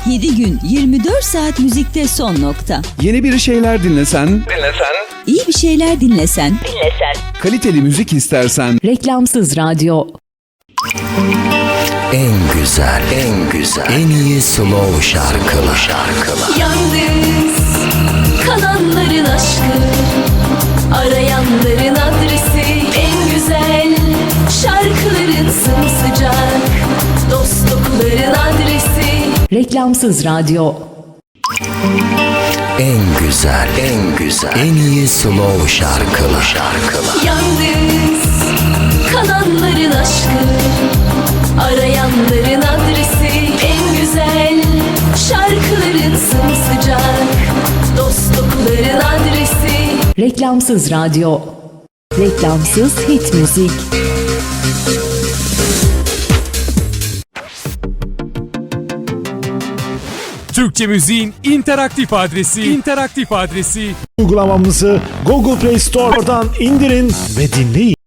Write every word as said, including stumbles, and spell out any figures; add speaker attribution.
Speaker 1: yedi gün yirmi dört saat müzikte son nokta.
Speaker 2: Yeni bir şeyler dinlesen, dinlesen,
Speaker 1: İyi bir şeyler dinlesen, dinlesen.
Speaker 2: kaliteli müzik istersen,
Speaker 3: Reklamsız radyo.
Speaker 4: En güzel, en güzel, en iyi slow şarkılar. şarkılar.
Speaker 5: Yalnız kalanların aşkı, arayanların adresi, en güzel şarkıların sımsıcak, dost dokuların adresi.
Speaker 3: Reklamsız radyo.
Speaker 4: En güzel, en güzel, en iyi slow şarkılar. şarkılar.
Speaker 5: Yalnız kalanların aşkı, arayanların adresi, en güzel şarkıların sımsıcak, dost dokuların adresi.
Speaker 3: Reklamsız radyo. Reklamsız hit müzik.
Speaker 6: Türkçe müziğin interaktif adresi, interaktif adresi
Speaker 7: Uygulamamızı Google Play Store'dan indirin ve dinleyin.